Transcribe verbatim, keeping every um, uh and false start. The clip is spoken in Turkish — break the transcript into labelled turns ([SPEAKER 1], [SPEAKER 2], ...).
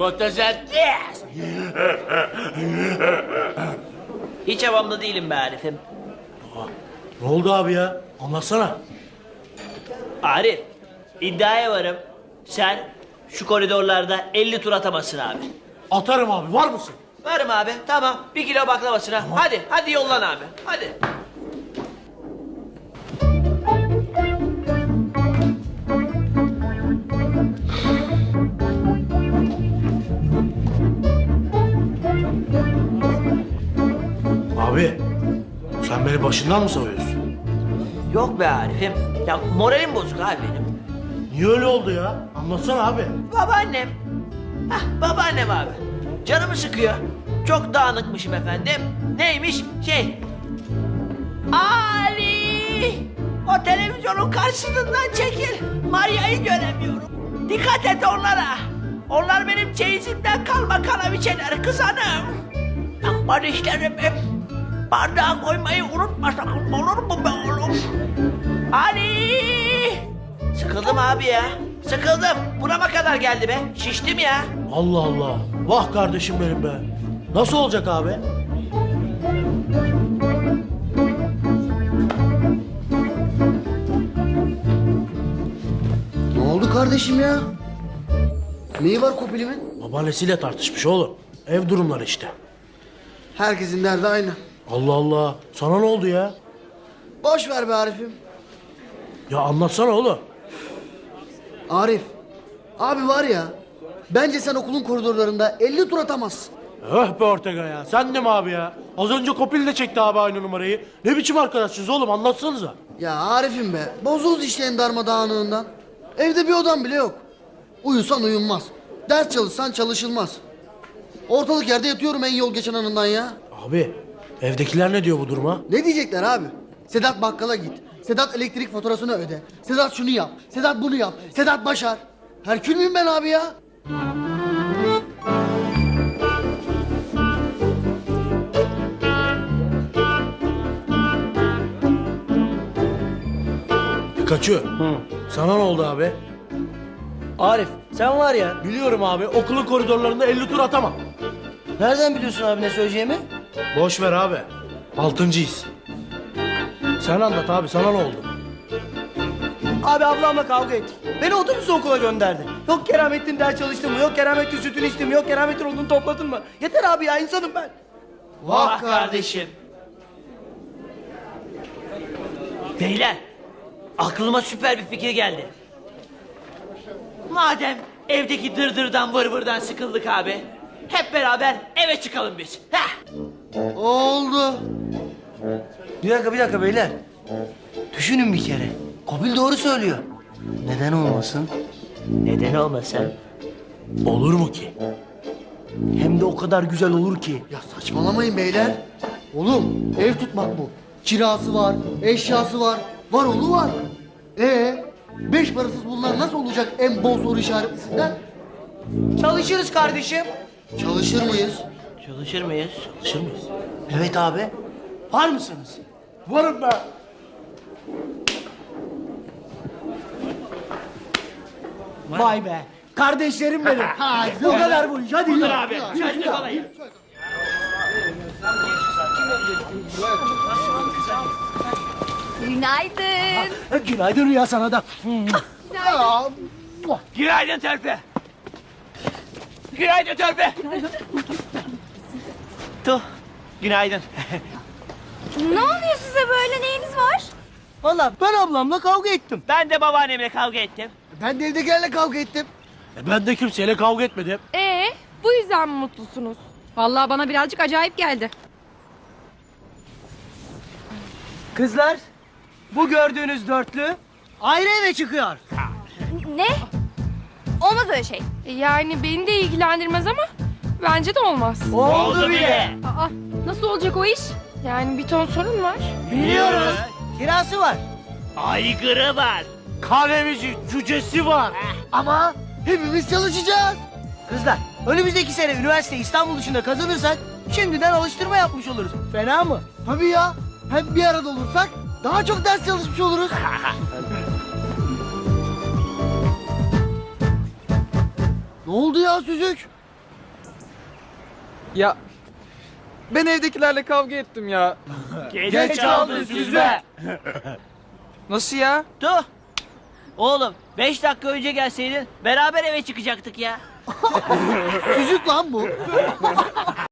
[SPEAKER 1] Fotosentez.
[SPEAKER 2] Hiç havamda değilim be Arif'im.
[SPEAKER 3] Ne oldu abi ya? Anlatsana.
[SPEAKER 2] Arif, iddiaya varım. Sen şu koridorlarda elli tur atamazsın abi.
[SPEAKER 3] Atarım abi, var mısın?
[SPEAKER 2] Varım abi, tamam. Bir kilo baklavasına. Hadi, hadi yollan abi. Hadi.
[SPEAKER 3] Abi, sen beni başından mı savuyorsun?
[SPEAKER 2] Yok be Arif'im. Ya moralim bozuk abi benim.
[SPEAKER 3] Niye öyle oldu ya? Anlatsana abi.
[SPEAKER 2] Babaannem. Hah, babaannem abi. Canımı sıkıyor. Çok dağınıkmışım efendim. Neymiş? Şey. Ali! O televizyonun karşısından çekil. Maria'yı göremiyorum. Dikkat et onlara. Onlar benim çeyizimden kalma kanaviçeler kızanım. Aman işlerim hep. Bardağa koymayı unutma sakın, olur mu be oğlum? Ali! Sıkıldım abi ya. Sıkıldım. Burama kadar geldi be. Şiştim ya.
[SPEAKER 3] Allah Allah. Vah kardeşim benim be. Nasıl olacak abi?
[SPEAKER 4] Ne oldu kardeşim ya? Neyi var Kopil'imin?
[SPEAKER 3] Babaannesiyle tartışmış oğlum. Ev durumları işte.
[SPEAKER 4] Herkesin derdi aynı.
[SPEAKER 3] Allah Allah. Sana ne oldu ya?
[SPEAKER 4] Boş ver be Arif'im.
[SPEAKER 3] Ya anlatsana oğlum.
[SPEAKER 4] Arif, abi var ya, bence sen okulun koridorlarında elli tur atamazsın.
[SPEAKER 3] Öh be Ortega ya. Sen de mi abi ya? Az önce Kopil de çekti abi aynı numarayı. Ne biçim arkadaşsınız oğlum, anlatsanıza.
[SPEAKER 4] Ya Arif'im be, bozuldu işte en darmadağınığından. Evde bir odan bile yok. Uyusan uyunmaz. Ders çalışsan çalışılmaz. Ortalık yerde yatıyorum en yol geçen anından ya.
[SPEAKER 3] Abi, evdekiler ne diyor bu duruma?
[SPEAKER 4] Ne diyecekler abi? Sedat bakkala git. Sedat elektrik faturasını öde. Sedat şunu yap. Sedat bunu yap. Sedat başar. Herkül müyüm ben abi ya?
[SPEAKER 3] Pikachu. Sana ne oldu abi?
[SPEAKER 5] Arif sen var ya,
[SPEAKER 3] Biliyorum abi, okulun koridorlarında elli tur atamam.
[SPEAKER 5] nereden biliyorsun abi ne söyleyeceğimi?
[SPEAKER 3] Boş ver abi. Altıncıyız. Sen anlat abi, sana ne oldu?
[SPEAKER 5] Abi ablamla kavga ettik. Beni otobüsle okula gönderdi. Yok Keramettin ders çalıştın mı? Yok Keramettin sütünü içtin mi? Yok Keramettin odunu topladın mı? Yeter abi ya, insanım ben.
[SPEAKER 2] Vah kardeşim. Beyler, aklıma süper bir fikir geldi. Madem evdeki dırdırdan vır vırdan sıkıldık abi, hep beraber eve çıkalım biz. Heh.
[SPEAKER 4] Oldu.
[SPEAKER 5] Bir dakika bir dakika beyler. Düşünün bir kere. Kopil doğru söylüyor. Neden olmasın?
[SPEAKER 2] Neden olmasın?
[SPEAKER 3] Olur mu ki?
[SPEAKER 5] Hem de o kadar güzel olur ki.
[SPEAKER 4] Ya saçmalamayın beyler. Oğlum ev tutmak bu. Kirası var, eşyası var, var oğlu var. Ee, beş parasız bunlar nasıl olacak en bol soru işaretlisinden?
[SPEAKER 5] Çalışırız kardeşim.
[SPEAKER 4] Çalışır mıyız?
[SPEAKER 2] Çalışır mıyız?
[SPEAKER 3] Çalışır mıyız?
[SPEAKER 5] Evet abi. Var mısınız?
[SPEAKER 3] Varım ben.
[SPEAKER 5] Vay be. Kardeşlerim benim. Bu kadar bu iş. Hadi yürü.
[SPEAKER 2] Abi, çözlük olayı.
[SPEAKER 6] Günaydın.
[SPEAKER 5] Günaydın Rüya sana da.
[SPEAKER 2] Günaydın Törpe. Günaydın Törpe. Tuh, günaydın.
[SPEAKER 6] Ne oluyor size böyle, neyiniz var?
[SPEAKER 5] Vallahi ben ablamla kavga ettim.
[SPEAKER 2] Ben de babaannemle kavga ettim.
[SPEAKER 4] Ben de evdekilerle kavga ettim.
[SPEAKER 3] E ben de kimseyle kavga etmedim.
[SPEAKER 7] Ee, bu yüzden mi mutlusunuz? Vallahi bana birazcık acayip geldi.
[SPEAKER 5] Kızlar, bu gördüğünüz dörtlü ayrı eve çıkıyor.
[SPEAKER 6] Ne? Olmaz öyle şey.
[SPEAKER 7] Yani beni de ilgilendirmez ama bence de olmaz.
[SPEAKER 5] Oldu bile.
[SPEAKER 7] Aa, nasıl olacak o iş? Yani bir ton sorun var.
[SPEAKER 5] Biliyoruz. Kirası var.
[SPEAKER 2] Aygırı var.
[SPEAKER 3] Kahvemici, cücesi var.
[SPEAKER 4] Ama hepimiz çalışacağız.
[SPEAKER 5] Kızlar, önümüzdeki sene üniversite İstanbul dışında kazanırsak şimdiden alıştırma yapmış oluruz. Fena mı?
[SPEAKER 4] Tabii ya. Hem bir arada olursak daha çok ders çalışmış oluruz. Ne oldu ya Süzük?
[SPEAKER 1] Ya ben evdekilerle kavga ettim ya.
[SPEAKER 2] Geç kaldın süzme.
[SPEAKER 1] Nasıl ya?
[SPEAKER 2] Tuh. Oğlum beş dakika önce gelseydin beraber eve çıkacaktık ya.
[SPEAKER 4] Süzük lan bu.